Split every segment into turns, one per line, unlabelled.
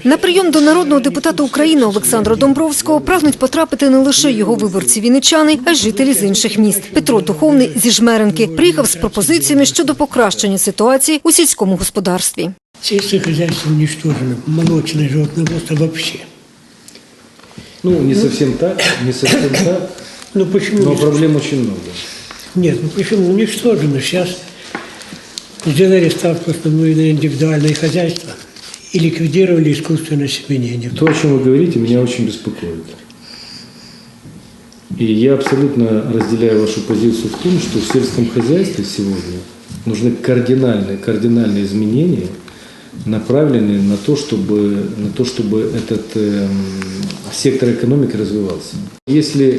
На прийом до народного депутата України Олександра Домбровського прагнуть потрапити не лише його виборці-вінничани, а й жителі з інших міст. Петро Духовний зі Жмеринки приїхав з пропозиціями щодо покращення ситуації у сільському господарстві.
Сельское хозяйство уничтожено, молочное животноводство вообще.
Не совсем так,
Ну почему?
но проблем очень много.
Нет, ну почему уничтожено? Сейчас сделали ставку основную на индивидуальное хозяйство и ликвидировали искусственное семенение.
То, о чем вы говорите, меня очень беспокоит. И я абсолютно разделяю вашу позицию в том, что в сельском хозяйстве сегодня нужны кардинальные изменения, направленные на то, чтобы этот сектор экономики развивался. Если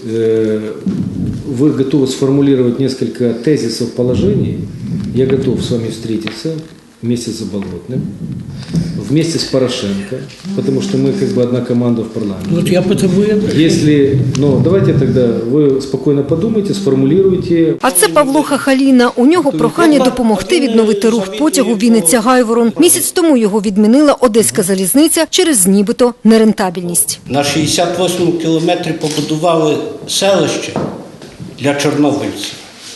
вы готовы сформулировать несколько тезисов положений, я готов с вами встретиться вместе с Заболотным, вместе с Порошенко, потому что мы одна команда в парламенте.
Вот я потому и
давайте тогда ви спокійно подумайте, сформулюйте.
А це Павло Хахаліна. У нього прохання допомогти відновити рух потягу Вінниця-Гайворон. Місяць тому його відмінила Одеська залізниця через нібито нерентабельність.
На 68-му кілометрі побудували селище для чорнобильців.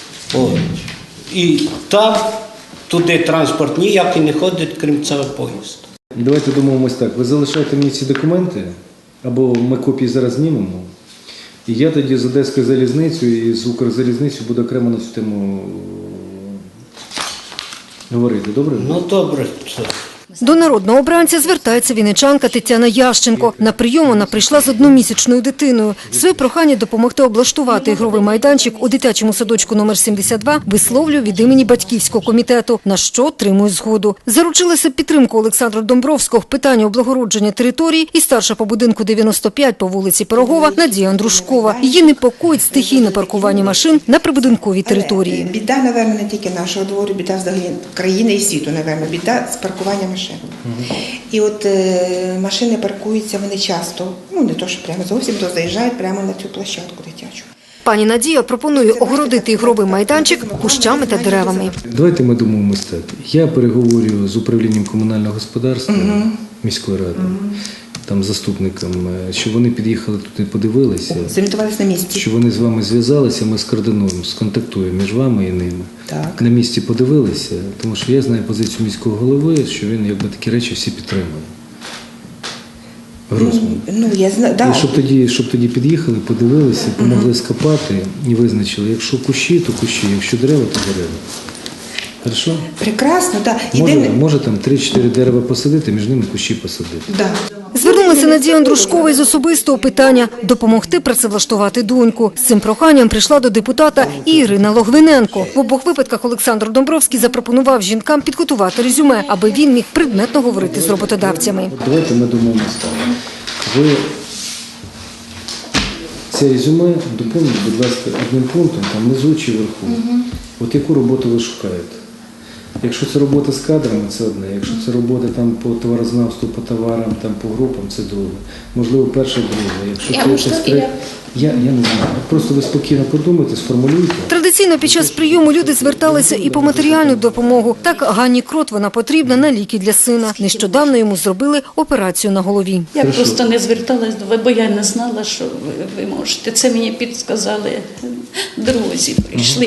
І там, туди транспорт ніякий не ходить, крім цього поїзду.
Давайте домовимось так. Ви залишайте мені ці документи, або ми копії зараз знімемо. І я тоді з Одеською залізницею і з Укрзалізницею буду окремо на цю тему говорити. Добре?
Ну, добре.
До народного обранця звертається вінничанка Тетяна Ященко. На прийом вона прийшла з одномісячною дитиною. Своє прохання допомогти облаштувати ігровий майданчик у дитячому садочку номер 72 висловлює від імені батьківського комітету, на що отримує згоду. Заручилася підтримку Олександра Домбровського в питанні облагородження території і старша по будинку 95 по вулиці Пирогова Надія Андрушкова. Її непокоїть стихійне паркування машин на прибудинковій території.
Біда, напевно, не тільки нашого двору, біда взагалі країни і світу, напевно, біда з паркуванням машин. І от машини паркуються, вони часто, не то, що прямо зовсім, то заїжджають прямо на цю площадку дитячу.
Пані Надія пропонує огородити ігровий майданчик кущами та деревами.
Давайте ми домовимось так. Я переговорю з управлінням комунального господарства міської ради, там заступником, щоб вони під'їхали тут і подивилися.
Зорієнтувалися на місці.
Щоб вони з вами зв'язалися, ми скоординуємо, сконтактуємо між вами і ними.
Так.
На місці подивилися, тому що я знаю позицію міського голови, що він такі речі всі підтримує.
Я знаю, да.
І щоб тоді під'їхали, подивилися, помогли скопати і визначили, якщо кущі, то кущі, якщо дерева, то дерева. Хорошо?
Прекрасно, так.
Може там 3-4 дерева посадити, між ними кущі посадити.
Да.
Звернулася Надія Андрушкова із особистого питання – допомогти працевлаштувати доньку. З цим проханням прийшла до депутата і Ірина Логвиненко. В обох випадках Олександр Домбровський запропонував жінкам підготувати резюме, аби він міг предметно говорити з роботодавцями.
Давайте ми домовимося так. Ви це резюме доповніть, будь ласка, одним пунктом, там внизу чи вверху. От яку роботу ви шукаєте? Якщо це робота з кадрами, це одне. Якщо це робота там по товарознавству, по товарам, там по групам, це друге. Можливо, перше, друге. Якщо це щось третє, я не знаю. Просто ви спокійно подумайте, сформулюйте.
Традиційно під час прийому люди зверталися і по матеріальну допомогу. Так Ганні Крот вона потрібна на ліки для сина. Нещодавно йому зробили операцію на голові.
Я просто не зверталась до вас, бо я не знала, що ви можете. Це мені підказали друзі, прийшли.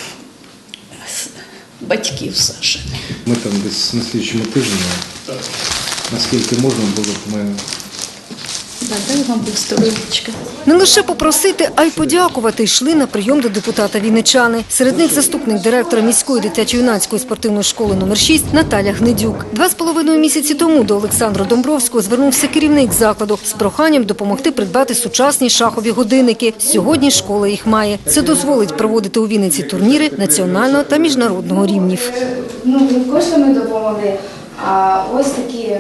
Батьків Саші.
Ми там десь на слідчому тижні, наскільки можна було, ми...
Дай вам Бог здоров'ячка.
Не лише попросити, а й подякувати йшли на прийом до депутата вінничани. Серед них заступник директора міської дитячо-юнацької спортивної школи номер 6 Наталя Гнедюк. 2,5 місяці тому до Олександра Домбровського звернувся керівник закладу з проханням допомогти придбати сучасні шахові годинники. Сьогодні школа їх має. Це дозволить проводити у Вінниці турніри національного та міжнародного рівнів.
Не коштами допомогли, а ось такі...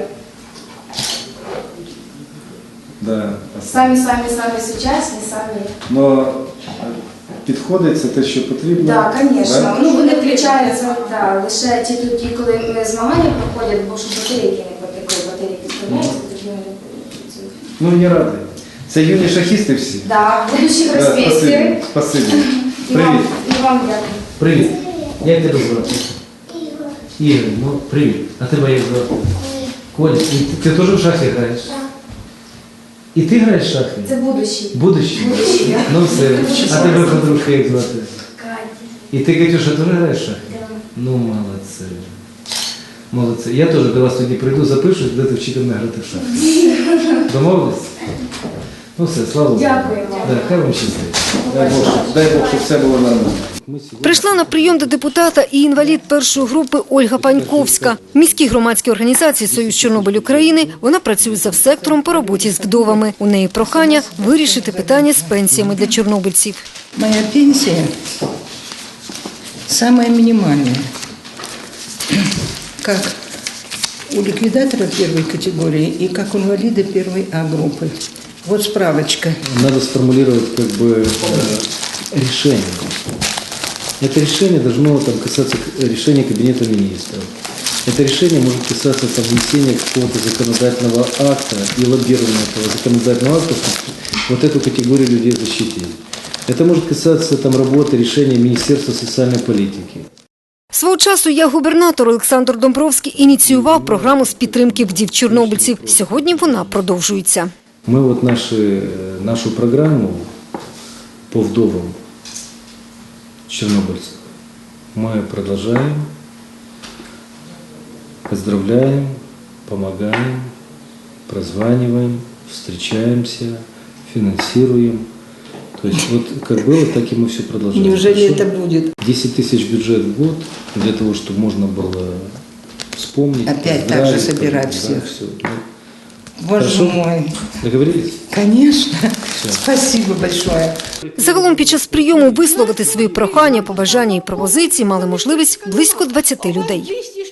Да.
Самі сучасні, самі.
Но підходить це те, що потрібно?
Так, звісно. Вони включаються лише ті, коли змагання проходять, бо щоб батарейки не потекли, батарейки вставляються, тоді вони працюють.
Я радий. Це юні шахісти всі?
Так, будущих розписів.
Спасибі.
Привіт. І вам дякую.
Привіт. Як тебе звати? Ігор. Ігор, привіт. А тебе як звати?
Коля, и ты тоже в шахи играешь? И ты играешь в шахи?
Це будущий.
Будущее?
Будущее.
Ну все. А тебе подружка як звати?
Катя.
И ты, Катюша, тоже играешь в шахи?
Да.
Ну, молодцы. Молодцы. Я тоже до вас тоді прийду, запишусь, будете вчити мене грати в шахи. Домовились? Ну все, слава Богу.
Дякую вам.
Да, хай вам щастить. Дай Бог, щоб все було нормально.
Прийшла на прийом до депутата і інвалід першої групи Ольга Паньковська. В міській громадській організації «Союз Чорнобиль України» вона працює завсектором по роботі з вдовами. У неї прохання вирішити питання з пенсіями для чорнобильців.
Моя пенсия самая минимальная. Как у ликвидатора первой категории и как у инвалида первой А группы. Вот справочка.
Надо сформулировать как бы решение. Это решение должно там, касаться решения Кабинета министров. Это решение может касаться там, внесения какого-то законодательного акта и лоббирования этого законодательного акта, чтобы вот эту категорию людей защитить. Это может касаться там, работы, решения Министерства социальной политики.
Свого часу губернатор Олександр Домбровський ініціював програму з підтримки вдів чорнобильців. Сьогодні вона продовжується.
Мы вот нашу программу по вдовам чернобыльцев мы продолжаем, поздравляем, помогаем, прозваниваем, встречаемся, финансируем. То есть вот как было, так и мы все продолжаем.
Неужели
Хорошо?
это будет?
10 тысяч бюджет в год для того, чтобы можно было вспомнить.
Опять так
поздравить,
же собирать
да,
всех.
всё.
Боже
Хорошо?
мой.
Договорились?
Конечно. Спасибо большое.
Загалом під час прийому висловити свої прохання, побажання і пропозиції мали можливість близько 20 людей.